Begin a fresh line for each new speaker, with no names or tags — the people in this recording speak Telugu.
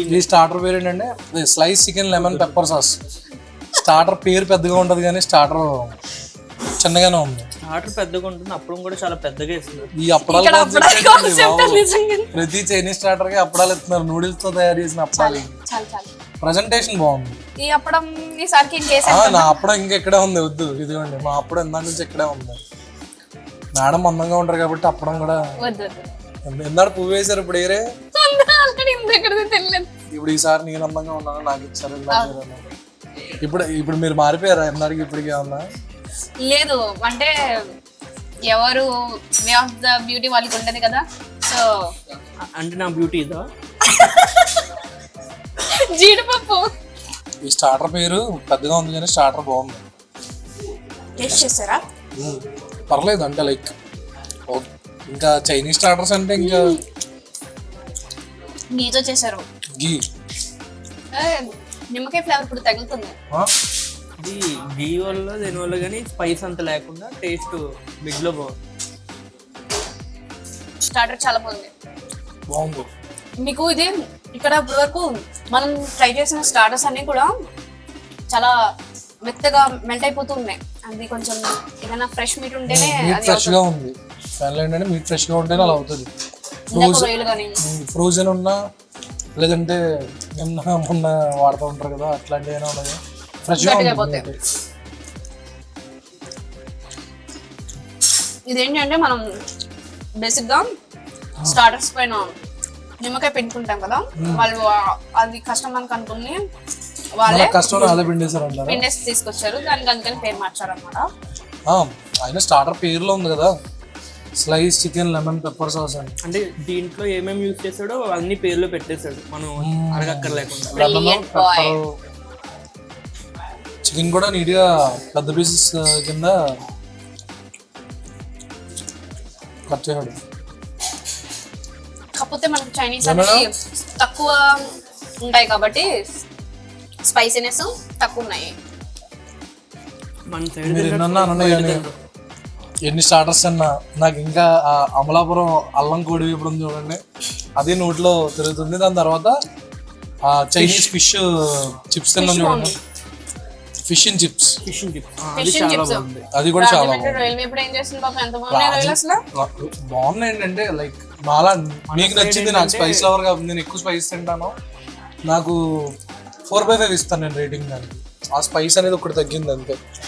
ఈ స్టార్టర్ పేరు ఏంటంటే slice chicken lemon pepper sauce. Starter పేరు పెద్దగా ఉంటుంది కానీ స్టార్టర్ చిన్నగానే ఉంది.
స్టార్టర్ పెద్దగా ఉంటుంది, అప్పుడు కూడా చాలా పెద్దగా ఇస్తున్నారు.
ఈ అప్పడాలు ప్రతి చైనీస్ స్టార్టర్ కి అప్పడాలు ఇస్తున్నారు, నూడిల్స్ తో తయారు చేసిన అప్పడాలు. ప్రజెంటేషన్ బాగుంది.
ఈ అప్పడం ఈసారికి
నా అప్పడం ఇంకెక్కడే ఉంది, వద్దు ఇదిగోండి మా అప్పడం ఇందా నుంచి ఇక్కడే ఉంది. మేడం అందంగా ఉంటారు కాబట్టి అప్పడం కూడా ఎందాడు పువ్వు వేశారు. ఇప్పుడు ఏరే ఇప్పుడు ఈసారి నేను అందంగా ఉన్నాను నాకు ఇచ్చారు. ఇప్పుడు మీరు మారిపోయారా ఎందాడికి ఇప్పటికి ఏమన్నా?
లేదు అంటే ఎవరు వే ఆఫ్ ద బ్యూటీ వాళ్ళకి ఉంటది కదా. సో
అంటే నా బ్యూటీ ఇదా
జీడిపప్పు.
ఈ స్టార్టర్ పేరు పెద్దగా ఉంది కానీ స్టార్టర్ బాగుంది.
టేస్ట్ చేస్తారా?
పర్లేదు అంటే లైక్ ఇంకా చైనీస్ స్టార్టర్స్ అంటే ఇంకా
గీతో చేశారు.
గీ
నిమ్మకాయ ఫ్లేవర్ ఇప్పుడు తగులుతుంది.
ఇది గీ వల్ల దీనివల్ల కానీ స్పైస్ అంత లేకుండా టేస్ట్ బిగ్ లో బాగుంది.
స్టార్టర్ చాలా బాగుంది. మీకు ఇది ఇక్కడ ఇప్పటి వరకు మనం ట్రై చేసిన స్టార్టర్స్ అన్ని కూడా చాలా మెత్తగా మెల్ట్ అయిపోతూ ఉన్నాయి. అది కొంచెం ఏదైనా ఫ్రెష్ మీట్ ఉంటేనే
ఫ్రెష్ గా ఉంది. ఏంటంటే మీట్ ఫ్రెష్ గా ఉంటేనే అలా అవుతుంది. ఫ్రోజన్ ఉన్నా లేదంటే మొన్న వాడుతూ ఉంటారు కదా అట్లాంటివి అయినా ఉన్నది ఫ్రెష్ గా ఉంది.
ఇదేంటంటే మనం బేసిక్ గా స్టార్టర్స్ పైన నిమ్మకాయ పెట్టుకుంటాం కదా, వాళ్ళు అది కష్టం మనకు అనుకుని వాళ్ళే పిండేసి తీసుకొచ్చారు. దానికి అందుకని పేరు మార్చారు అనమాట.
అయినా స్టార్టర్ పేరులో ఉంది కదా slice chicken lemon pepper sauce అని.
అంటే దీంట్లో ఏమేమి యూజ్ చేసాడో అన్ని పేర్లు పెట్టేశాడు, మనం అడగక్కర్లేకుండా.
చికెన్ కూడా నీట్ గా పెద్ద పీసెస్ కింద కట్ చేశాడు.
కాకపోతే మనకు చైనీస్ అనేది తక్కువ ఉంటాయి కాబట్టి స్పైసీనెస్ తక్కువ ఉన్నాయి.
ఎన్ని స్టార్టర్స్ అన్నా నాకు ఇంకా అమలాపురం అల్లం కోడి ఇప్పుడు చూడండి, అది నోట్లో తిరుగుతుంది. దాని తర్వాత చైనీస్ ఫిష్ చిప్స్ తిన్నాం చూడండి, ఫిష్ అండ్ చిప్స్. అది కూడా చాలా బాగున్నాయి. ఏంటంటే లైక్ మాలా మీకు నచ్చింది, నాకు స్పైస్ లవర్ కాబట్టి నేను ఎక్కువ స్పైస్ తింటాను. నాకు 4/5 ఇస్తాను నేను రేటింగ్ దానికి. ఆ స్పైస్ అనేది ఒకటి తగ్గింది అంతే.